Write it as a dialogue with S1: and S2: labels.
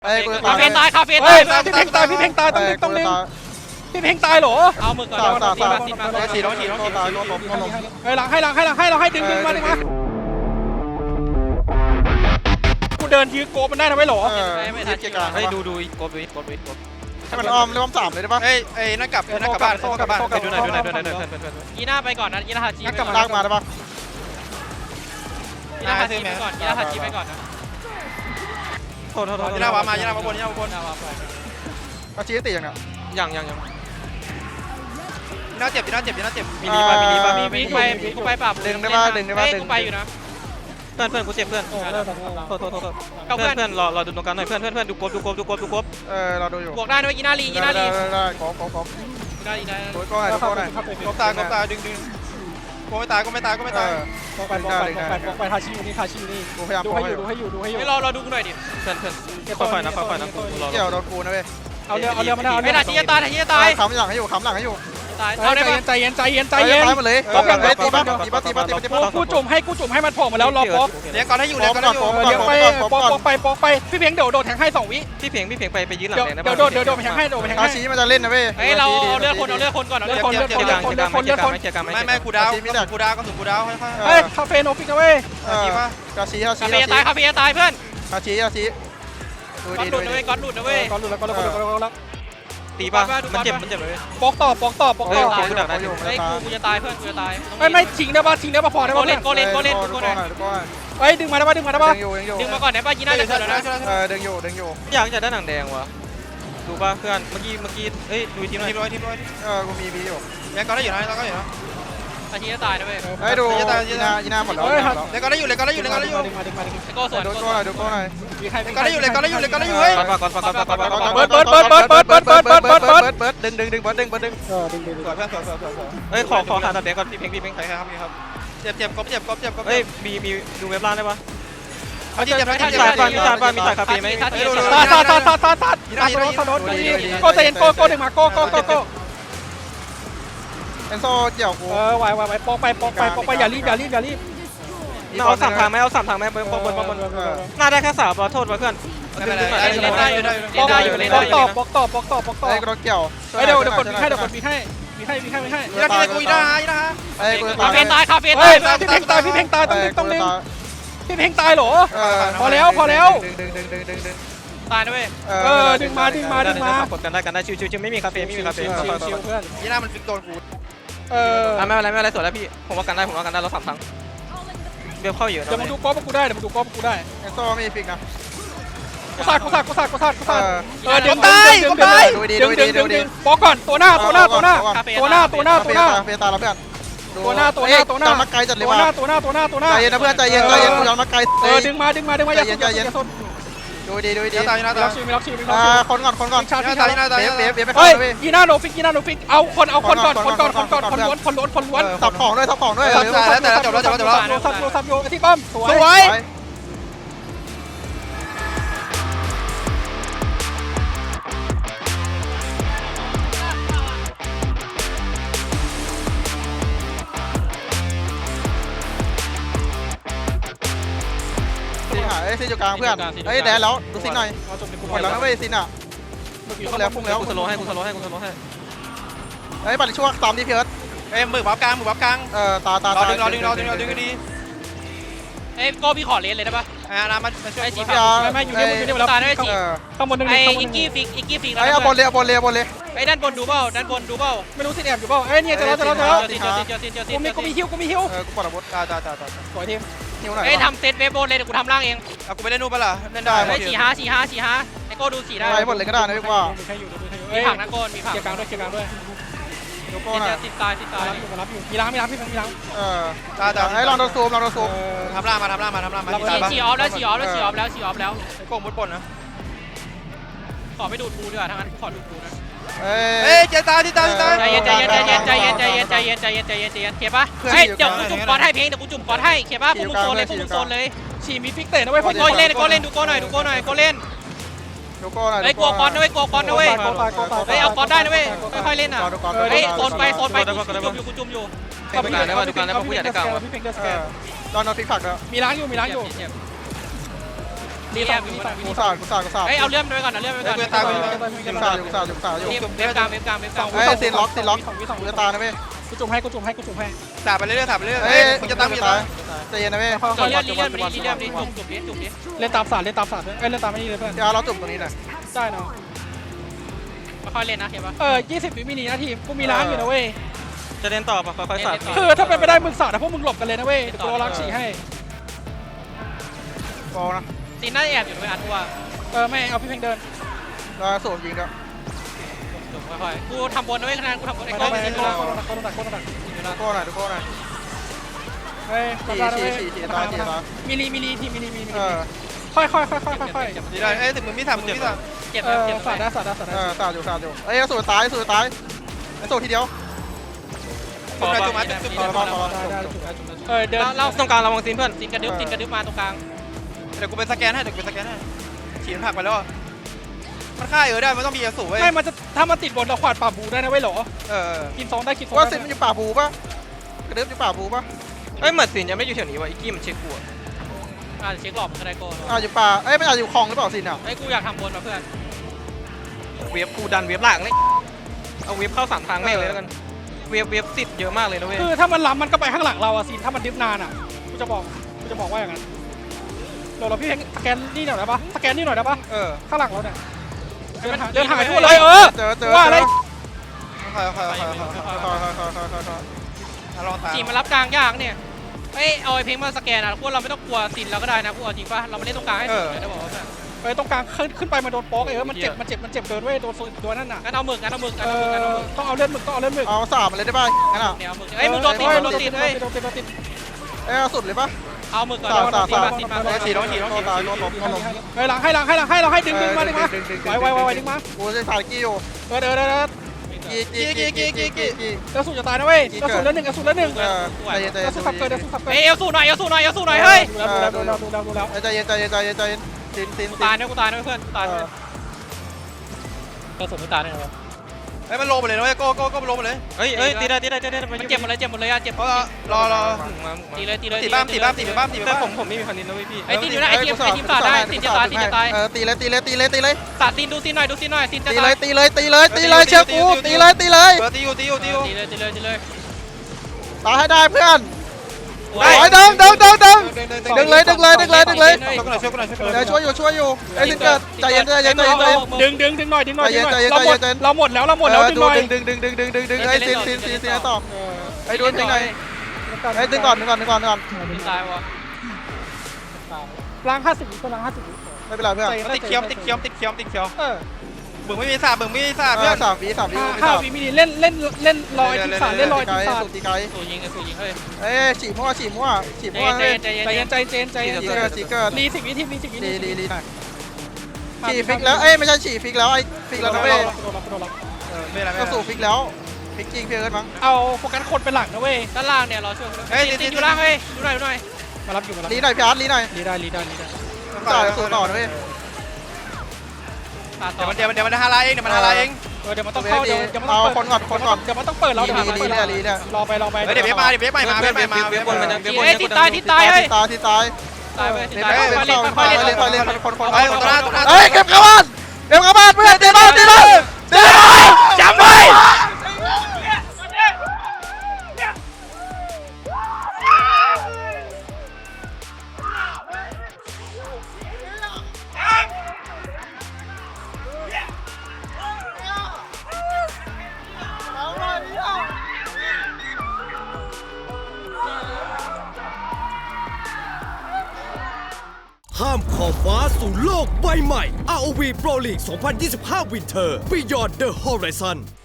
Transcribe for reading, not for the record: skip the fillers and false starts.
S1: เอ้ยกู
S2: คาเฟ่ตายคาเฟ่
S3: เฮ้
S2: ตาย ย
S3: พี่เพ่งตายพี่เพ่งตายต้องดึงต้องดึงพี่เพ่งตายเหรอ
S2: เอามือก่อนตีมาตีมา
S1: ฉีดตายโดนล้ม
S3: เฮ้ยหลังให้ดึงมาดึงมากูเดินยื้อโกมันได้นะไม่หรอ
S1: ไม่ทันเกียร์กลาง
S4: ให้ดูกด
S1: ให้มันอ้อมเริ่ม3เลยได้ปะ
S4: เอ้ยนั่นกลับบ้านไปดูหน่อย
S2: ยีน่าไปก่อนนะยีน่าฮาจิ
S1: งั้นกลับมาลากมาได้ปะ
S2: ยีน่าฮาจิไปก่อนยีน่าฮาจิไปก่อนนะ
S4: โทษ
S1: ยี
S4: ยี
S1: น่า
S4: น่าว
S1: มา
S4: ยีน่ามาบนยีน่ามาบน
S1: อาชีพติอย่างเนี้ย
S4: ยังยีน่าเจ็บมีลีป่ะ
S2: มีกูไปปรับกูไปอยู่นะ
S4: เพื่อนกูเจ็บเพื่อนโทษเพื่อนรอดูตรงกลางหน่อยเพื่อนดูกบ
S1: เราดูอยู่
S2: บวกได้ด้วยยีน่าลี
S1: ได้ขอ
S2: ได้ได้
S1: โดยก็หน่อย
S4: กบตายดึงกูไม่ตาย
S3: ไปทาชิอยู่นี่
S1: กูพยายาม
S3: ดูให้อยู่
S2: ไม่รอดูกูหน่อยดิ
S4: เพื่อนค่อยๆนะกูรอ
S1: เกี่ยวโดนกูนะเว้ย
S3: เอาเรือมาได้
S2: ไม่ทันยีตาย
S1: ค้ำหลังให้อยู่
S2: ตายเอาได้ปะ
S3: ใจเย็น
S1: ตายมาเลยตีบ้า
S3: กูจุ่มให้มันโผล่มาแล้วรอป๊อก
S4: เลี้ยงก่อนให้อยู่
S3: เลี้ยงไปป๊อกไปพี่เพียงเดี๋ยวโดดแทงให้2 วิ
S4: พี่เพียงไปยืนหลังแดงนะ
S3: เดี๋ยวโดดไปแทงให้โดดไปแทง
S1: อา
S3: ให้
S1: ชีมันจะเล่นนะเว้ย
S2: เฮ้ยเราเอาเลือดคนก่อนเอาเลือดคน
S4: เกียร์กลางไม่กูดาวก็ถึงกูดาวค่อย
S3: เฮ้ยคาเฟ่โนฟิกนะเว้ย
S1: กาชี
S2: คาเฟ่ตายคาเฟ่ตายเพื่อน
S1: อาชี
S2: ก๊อตหลุดนะเว้ยก๊อตหลุดนะเว้ย
S3: ก่อนหลุดแล้ว
S4: ตีป่ะมันเจ็บเลย
S3: ป๊อกต่อ
S4: เฮ้ยกูดักได้อยู่
S2: เฮ้ยกูจะตายเพื่อนกูจะตาย
S3: ไม่ชิงได้ป่ะพอได้ป่ะ
S2: โกเล่น
S3: เฮ้ยดึงมาได้ป่ะ
S2: ดึงมาก่อนได้ป่ะยีน่าจะเกิดแล้วนะ
S1: ดึงอยู่
S4: อยากจะได้หนังแดงวะดูป่ะเพื่อนเมื่อกี้เอ้ยดูทีมหน่อย
S1: กูมีบีอยู่
S4: ยังก็ได้อยู่นะเราก็อยู่นะ
S2: อาชีพจะตายนะเว้ย
S1: เฮ้ยดูยีน่าหมดแล้ว
S4: แล้วก็ได้อยู่
S2: ไอโก้สวน
S1: ดูก็หน่อย
S4: ก็ได้อยู่เฮ้ยก่อน
S3: เบิร์ด
S1: ดึงเ
S4: เฮ้ยขอหาตัดแดงก่อนพี่เพ่งใครครับเจ็บเฮ้ยมีดูเว็บล่างได้ปะเอาที่เจ็บมีจ่ายคาเฟ่ไหม
S3: ตัดโก้ใจเย็นโก้ดึงมาโก้
S1: เอนโซเกี่ยวกู
S3: ไหวปอกไปอย่ารีบ
S4: เอา3 ทางไหมเอา3 ทางไหมบนน่าได้แค่3โทษเพื่อน
S2: เล่นได้อยู่
S3: ปอกต่อ
S1: ไอ้กระเกี่ยว
S3: เดี๋ยวกดมีให้
S4: ยีน่ากูยีน่า
S1: ไอ้กู
S2: คาเฟ่ตาย
S3: เฮ้ยพี่เพ่งตายต้องดึงพี่เพ่งตายเหรอพอแล้ว
S1: ดึง
S2: ตายนะเว้ย
S3: ดึงมาก
S4: ดกันได้ชิวไม่มีคาเฟ่
S3: เพื่อน
S4: ยีน่ามันฟิกโดนกู
S3: ไม่
S4: ไม่เป็นไรสวยแล้วพี่ผมว่ากันได้เรา3 ครั้งเบลเข้าอยู่
S3: เดี๋ยวมึงดูก๊อปกูได้
S1: เอนโซมีฟิกนะ
S3: กูสาดดึงปอกก่อนตัวหน้า
S1: เฟตาแล้วเพื่อนตัวหน้ามาไกลจัดเลยว่ะ
S3: ตัวหน้า
S1: ใจเย็นนะเพื่อนใจเย็นกูยอมมาไกล
S3: ดึงมาอย่าสน
S1: ดูดี
S3: มีล็อกชี
S1: คนก่อน
S3: ชาร์จ
S1: เบียไป
S3: เฮ้
S1: เข้าย เลย
S3: ยีน่าโนฟิกเอาคนก่อนคนล้วน
S1: สับของด้วย
S3: ซับโยที่ป้อมสวย
S1: ซินอยู่กลางเพื่อนเฮ้ยแดนแล้วดูซินหน่อยหมดแล้วนะเว้ยซินอ่ะพุ่งแล้ว
S4: กูสโลให้
S1: เฮ้ยบัตรช่วง3 ที่เพิร์ด
S4: เอ้ยมือบับกลาง
S1: ตาร
S4: อดึงดี
S2: เอ้ยโก้พี่ขอเลนเลยได้ป่ะ
S4: น้ำมันช่วย
S2: ไอ้สี
S1: พี่
S2: ฟ้า
S3: ไม่อยู่นี่แล้ว
S2: ตายได้สี
S3: ข้างบนนึง
S2: ไอ้อิกกี้ฟิก
S1: ไอ้บอลเลย
S2: ไอ้ด้านบนดูเปล่า
S3: ไม่รู้สิแอบอยู่เปล่าเอ้ยเนี่ยจะแล้วกูมีฮิว
S1: กูปลดอาวุธ
S3: สวยทีม
S1: หิวหน่อย
S2: ไอ้ทำเซตเวฟโบนเลยเดี๋ยวกูทำล่างเอง
S4: เอากูไปเล่นนู่นปะล่ะเล่นได้
S2: ไอ้4-5ไอ้โก้ดู4ได้
S1: ไปหมดเลยก็ได้นะพี่ว่า
S2: มีผักนะโก้มีผัก
S3: เกียร์กลางด้วย
S1: ดูโก้หน่อย
S2: ติดตาย
S3: มารับอยู่มีล้างพี่มีล้าง
S1: ไอ้ลองโดนซูม
S4: ทำล่ามา
S2: ฉีออฟแล้ว
S4: ไอ้โก้มุดบนนะ
S2: ขอไม่ดูดกูดีกว่าทั้งนั้นขอดูดกูนะ
S1: เฮ้ย
S4: เจตา
S2: ใจเย็นเคปะเฮ้ยเดี๋ยวกูจุ่มก้อนให้เพลงเดี๋ยวกูจุ่มก้อนให้เคปะพวกมึงโซนเลย
S3: ฉีมีฟิกเตะนะเว้ย
S2: โก้เล่นดูโก้หน่อยโก้เล่น
S1: ดูโก้หน่อย
S2: เฮ้ยกลัวก้อนนะเว้ยเฮ้ยเอาก้อนได้นะเว้ยค่อยๆเล่นอ่ะเฮ้ยโซนไปกูจุ่มอยู่
S4: ดูการได้ป่ะ ผู้ใหญ่ได้กลาง
S3: พี่เพ่งเดอร์สแกน
S1: ตอนนอนฟิกผักแล้ว
S3: มีล้างอยู่
S1: ไ
S2: รีแอมอยู่
S1: กูสาด
S2: เฮ้ยเอาเลื่อมไปก่อนเอาเลื่อมไปก่อน
S1: กูสาดอยู่
S2: เว็บกลางเว็บกลางเว็บกลาง
S1: เฮ้ยซีนล็อกกูจะตายนะเว้ย
S3: กูจุ่มให้
S4: สาดไปเรื่อยๆสาดไปเรื่อยๆ
S1: เฮ้
S4: เฮ้
S1: ย
S4: ยมึงจะตั้งมึงจะตั้ง
S1: ใจเย็นนะเว้ย
S2: รีเลื่อมดิจุ่มดิ
S3: เล่นตามศาสตร์เล่นตามไม่นี่เลยเพื่อน
S1: เดี๋ยวเราจุ่มตรงนี้หน่อย
S3: ได้เนาะ
S2: ค่อยเล่นนะเห็นปะ
S3: 20 วิมินินาทีกูมีล้างอยู่นะเว้ย
S4: จะเล่นต่อปะค่อยๆสาด
S3: คือถ้าเป็นไปได้มึงศาสตร์นะพวกมึงหลบกันเลยนะเว้ยเดี๋ยวกูรอล้างฉี่ให้
S1: บอลนะ
S2: ซีน่าแอบอยู่ด้วยอันว่า
S3: ไม่เอาพี่เพ่งเดิน
S1: เราสูบยิงด้วย
S2: ค่อยๆกูทำบนนะเว้ยคะแนนกูทำบนไอ้
S3: ไป
S2: ก้อน
S3: ไป
S2: ซี
S3: โค
S2: น่า
S3: ตรหนัก
S1: ทุกคนหน่อย
S3: เฮ้ย
S1: ฉี่ตาย
S3: มิลีทีมิลี ค่อย
S4: ดีได้เอ้ยถึงมึงไม่ทำมึงไม่ท
S2: เจ็บ
S3: ศาสตร์ได้
S1: สาดอยู่เอ้ยสูบตายไอ้สูบทีเดียว
S4: ำจุ่มจุ่มมาจุ่มจุ่ม
S3: เดิน
S2: เรา
S4: ตรงกลางระวังซีนเพื่อน
S2: ซีนกระดึ๊บมาตรงกลาง
S4: เดี๋ยวกูเป็นสแกนให้ฉีดผักไปแล้วมันฆ่าได้มันต้องมีอสูรเว้ย
S3: ไม่มันจะถ้ามันติดบนเราขวาดป่าบูได้นะเว้ยหรอ กินซองได้
S1: ว่าซินมันอยู่ป่าบูป่ะกระดึ๊บอยู่ป่าบูป่ะ
S4: เฮ้ยเหมือนซีนยังไม่อยู่แถวนี้ว่ะอีกี้มันเช็คกู
S2: เช็คหลอบมันก็ได้โก้
S1: อยู่ป่าเอ้ยมันอาจอยู่คลองหรือเปล่าซินอ่ะ
S2: ไอ้กูอยากทำบนมาเพื่อน
S4: เวฟกูดันเวฟหลังเลยเอาเวฟเข้า3ทางแม่งเลยแล้วกันเวฟติดเยอะมากเลยนะเว้ย
S3: คือถ้ามันล้ำมันก็ไปข้างหลังเราอะซีนถ้ามันดิฟนานอะกูจะบอกว่าอย่างนั้นเราพี่เพ่งสแกนนี่หน่อยได้ปะสแกนนี่หน่อยได้ปะข้างหลังเราเนี่ยเดินหายทั่วเลย
S1: เจอ
S3: ว่าอะไร
S4: ค่อยลองตาม
S2: จีมันรับกลางยากเนี่ยเอ้ยเอาไอ้เพลงมาสแกนอ่ะพวกเราไม่ต้องกลัวซินเราก็ได้นะพวกเอาจริงป่ะเราไม่เล่นตรงกลางให้สุดเลยได้บอกว่า
S3: ไปตรงกลางขึ้นไปมาโดนโป๊กมันเจ็บเดินเว้ยโดนตัวนั่นน่ะ
S2: งั้นเอาหมึก
S3: ต้องเอาเลือดหมึก
S1: เอาสาบมาเลยได้ป่ะงั้นอ่ะ
S2: เนี่ยเอาหมึกเอ้ยมึงโดนติดเอ้ย
S3: ติด
S1: เอ้ยสุดเลยป่ะ
S2: เอาหมึกก่อน
S1: สาบ
S2: ติดมา
S4: ฉีดต้อง
S1: ตายล้ม
S3: หลังให้เราให้ดึงมาดึงมาไวดึงมา
S1: กูจะสาดกี้อยู่
S3: เดิน
S1: กี้
S3: กระสุนจะตายนะเว้ยกระสุนละหนึ่ง
S1: ใจเย็น
S3: กระสุนขับเกิด
S2: เอ้ยเอลสู้หน่อยเฮ้ย
S3: ดูแล้ว
S1: ใจเย็นซิน
S2: กูตายนะเพื่อนตายกระสุนไม่ตายแน่นอน
S4: เฮ้ยมันลงไปเลยนะเว้ยโก้ลงไปเลยเฮ้ยตีได้
S2: มันเจ็บหมดเลยอ่ะเจ็บ
S4: รอ
S2: ตีเลย
S4: ตีบ้ามแต่ผมไม่มีคันนี้นะเว้ยพี่
S2: ไอ้ตีอยู่นะไอ้ทีมสาดได้ตีจะตาย
S1: ตีเลย
S2: สาดซีนดูซีนหน่อยซีนจะ
S1: ตี
S2: ตาย
S1: เลยเชื่อกูตีเลย
S4: ตีอยู่
S1: ตายให้ได้เพื่อน
S2: โอ้
S1: โอ้
S2: ย
S1: ยดึงเลยช่วยอยู่ไอ้สิเกิดใจเย็น
S3: ดึงหน่อยเราหมดแล้วดึงหน่อย
S1: ดึงไอ้สินต่อไอ้ดูยังไงไอ้ดึงก่อน
S2: ตายวะ
S3: ล้าง50ก็ล้าง50
S1: ไม่เป็นไรเพื่อน
S4: ติดเคี้ยวมึงไม่มีสาบเพื่อน
S1: 3 วิ
S3: 5 วิมินิเล่นลอยทีมสารเล่นลอยทีมสาร
S1: ตีไกล
S2: สู้ยิงเฮ้ย
S1: เอ้ฉี่มั่ว
S2: ใจ
S3: ใจเจน
S1: จีเกิด
S3: รี10 วิทีรี10 วิ
S1: รีหน่อยฉี่ฟิกแล้วเอ้ยไม่ใช่ฉี่ฟิกแล้วไอ้ฟิกแล้วนะเว้ย ก็สู่ฟิกแล้วฟิกจริงเพื่อนมั้ง
S3: เอาโฟกัสคนเป็นหลักนะเว้ย
S2: ด้านล่างเนี่ยรอช่วยติดอยู่ล่างเฮ้ยดูหน่อย
S3: มารับอยู่
S1: ลีหน่อยพี่อาร์ตลีหน่อย
S3: รีได้
S1: ต่อสู่ต่อนะเว้ย
S2: ตาต่อ
S4: เดี๋ยวมันฮาราเองเดี๋ยว
S3: มันต้องเข้าเดี๋ยวมันต้อง
S1: เอาคนก่อน
S3: เดี๋ยวมันต้องเปิดเรารอไป
S4: เดี๋ยวมาเว็บใหม่มา
S2: เฮ้ยติดตายเฮ้ย
S1: ที่ตาย
S2: ตายไป
S1: ค่อยเล่นคน
S4: เฮ้ย
S1: เก็บกระบาลเพื่อนตีบ้านจับไว้
S5: ข้ามขอบฟ้าสู่โลกใบใหม่ ROV Pro League 2025 Winter Beyond the Horizon